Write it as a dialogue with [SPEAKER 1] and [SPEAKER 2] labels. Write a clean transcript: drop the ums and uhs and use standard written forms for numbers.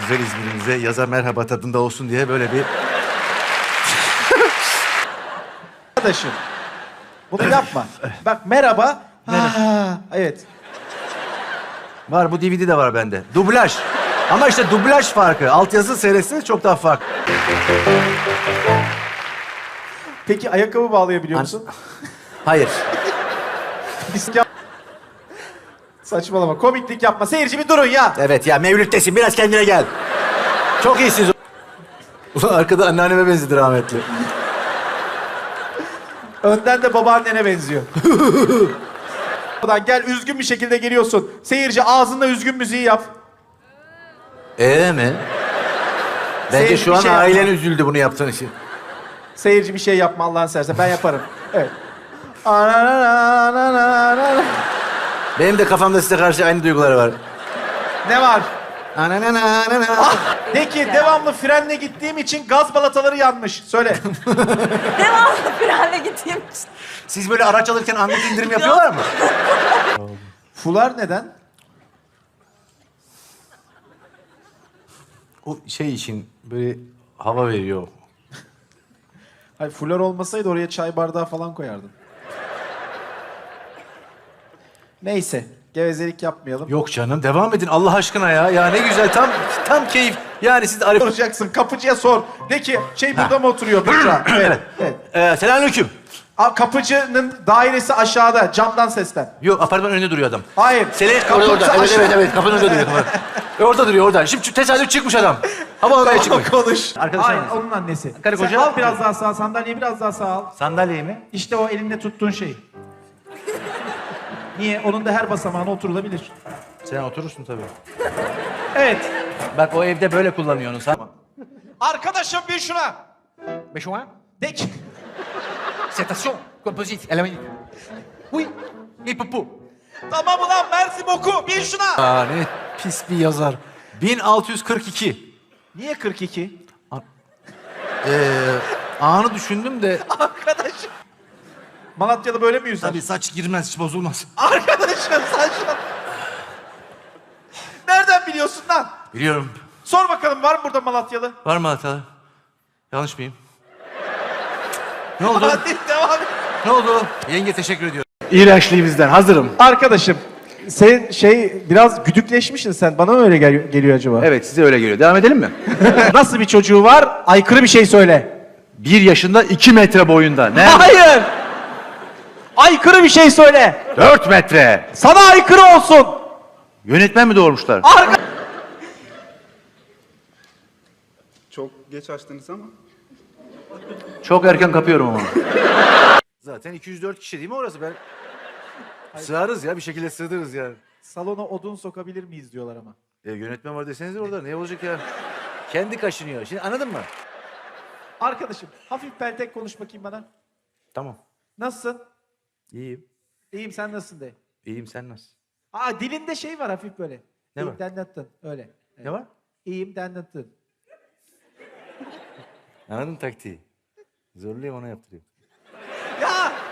[SPEAKER 1] güzel İzmir'imize yaza merhaba tadında olsun diye böyle bir...
[SPEAKER 2] Arkadaşım. Bunu yapma. Bak merhaba. Evet.
[SPEAKER 1] Var, bu DVD de var bende. Dublaj. Ama işte dublaj farkı. Altyazı seyretseniz çok daha farklı.
[SPEAKER 2] Peki ayakkabı bağlayabiliyor musun?
[SPEAKER 1] Hayır.
[SPEAKER 2] Saçmalama. Komiklik yapma. Seyirci bir durun ya.
[SPEAKER 1] Evet ya, Mevlüt'tesin. Biraz kendine gel. Çok iyisiniz. Ulan arkada anneanneme benzedi rahmetli.
[SPEAKER 2] Önden de babaannene benziyor. Buradan gel, üzgün bir şekilde geliyorsun. Seyirci ağzında üzgün müziği yap.
[SPEAKER 1] Mi? Bence
[SPEAKER 2] Seyirci
[SPEAKER 1] şu
[SPEAKER 2] bir
[SPEAKER 1] an
[SPEAKER 2] şey
[SPEAKER 1] ailen
[SPEAKER 2] yapma.
[SPEAKER 1] üzüldü bunu yaptığın için.
[SPEAKER 2] Seyirci bir şey yapma Allah'ın seversen. Ben yaparım. Evet.
[SPEAKER 1] Benim de kafamda size karşı aynı duyguları var.
[SPEAKER 2] Ne var?
[SPEAKER 1] Ananana.
[SPEAKER 2] De ki devamlı frenle gittiğim için gaz balataları yanmış. Söyle.
[SPEAKER 3] Devamlı frenle gittiğim için.
[SPEAKER 1] Siz böyle araç alırken anlık indirim yapıyorlar mı?
[SPEAKER 2] Fular neden?
[SPEAKER 1] O şey için böyle hava veriyor.
[SPEAKER 2] Hayır, fular olmasaydı oraya çay bardağı falan koyardın. Neyse. Gevezelik yapmayalım.
[SPEAKER 1] Yok canım, devam edin Allah aşkına ya. Ya ne güzel, tam keyif. Yani siz Arif...
[SPEAKER 2] Soracaksın. Kapıcıya sor. De ki burada mı oturuyor Büşra? Evet. Evet.
[SPEAKER 1] Selamünaleyküm.
[SPEAKER 2] Kapıcının dairesi aşağıda. Camdan seslen.
[SPEAKER 1] Yok, apartman önünde duruyor adam.
[SPEAKER 2] Hayır.
[SPEAKER 1] Orada. Evet. Kapının önünde duruyor. Orada duruyor, orada. Şimdi tesadüf çıkmış adam. Hava odaya çıkmış.
[SPEAKER 2] Konuş.
[SPEAKER 1] Arkadaşlar
[SPEAKER 2] Hayır,
[SPEAKER 1] mısın?
[SPEAKER 2] onun annesi.
[SPEAKER 1] Karı
[SPEAKER 2] Sen
[SPEAKER 1] koca.
[SPEAKER 2] al biraz daha sağ, sandalyeyi biraz daha sağ al.
[SPEAKER 1] Sandalyeyi mi?
[SPEAKER 2] İşte o elinde tuttuğun şey. Niye? Onun da her basamağına oturulabilir.
[SPEAKER 1] Sen oturursun tabii.
[SPEAKER 2] Evet.
[SPEAKER 1] Bak o evde böyle kullanıyorsun sen.
[SPEAKER 2] Arkadaşım bir şuna.
[SPEAKER 1] Beşoğan.
[SPEAKER 2] De ki.
[SPEAKER 1] Citation. Composite. Elle Oui. Et popo.
[SPEAKER 2] Tamam ulan Mersin oku. Bir şuna.
[SPEAKER 1] Aa, ne pis bir yazar. 1642.
[SPEAKER 2] Niye 42?
[SPEAKER 1] Anı düşündüm de...
[SPEAKER 2] Arkadaşım. Malatya'da böyle mi yüzer?
[SPEAKER 1] Tabii saç girmez, hiç bozulmaz.
[SPEAKER 2] Arkadaşım sen şu an... Nereden biliyorsun lan?
[SPEAKER 1] Biliyorum.
[SPEAKER 2] Sor bakalım var mı burada Malatyalı?
[SPEAKER 1] Var mı hata? Yanlış mıyım? Ne oldu?
[SPEAKER 2] Hadi devam et.
[SPEAKER 1] Ne oldu? Yenge teşekkür ediyorum.
[SPEAKER 4] İğrençliği bizden. Hazırım.
[SPEAKER 2] Arkadaşım sen biraz güdükleşmişsin sen. Bana mı öyle geliyor acaba?
[SPEAKER 4] Evet, size öyle geliyor. Devam edelim mi?
[SPEAKER 2] Nasıl bir çocuğu var? Aykırı bir şey söyle.
[SPEAKER 4] 1 yaşında 2 metre boyunda. Ne?
[SPEAKER 2] Hayır! Aykırı bir şey söyle.
[SPEAKER 4] 4 metre.
[SPEAKER 2] Sana aykırı olsun.
[SPEAKER 4] Yönetmen mi doğurmuşlar?
[SPEAKER 5] Çok geç açtınız ama.
[SPEAKER 4] Çok erken kapıyorum ama.
[SPEAKER 1] Zaten 204 kişi değil mi orası? Ben... Sığarız ya, bir şekilde sığdırırız yani.
[SPEAKER 2] Salona odun sokabilir miyiz diyorlar ama.
[SPEAKER 1] Yönetmen var deseniz orada, ne olacak ya? Kendi kaşınıyor. Şimdi anladın mı?
[SPEAKER 2] Arkadaşım hafif peltek konuş bakayım bana.
[SPEAKER 1] Tamam.
[SPEAKER 2] Nasılsın?
[SPEAKER 1] İyiyim.
[SPEAKER 2] İyiyim sen nasılsın de.
[SPEAKER 1] İyiyim, sen nasılsın?
[SPEAKER 2] Dilinde şey var hafif böyle.
[SPEAKER 1] Ne
[SPEAKER 2] İyiyim
[SPEAKER 1] var?
[SPEAKER 2] denettin. Öyle.
[SPEAKER 1] Ne var?
[SPEAKER 2] İyiyim denettin.
[SPEAKER 1] Anladın taktiği. Zorlayayım, ona yaptırayım.
[SPEAKER 2] Ya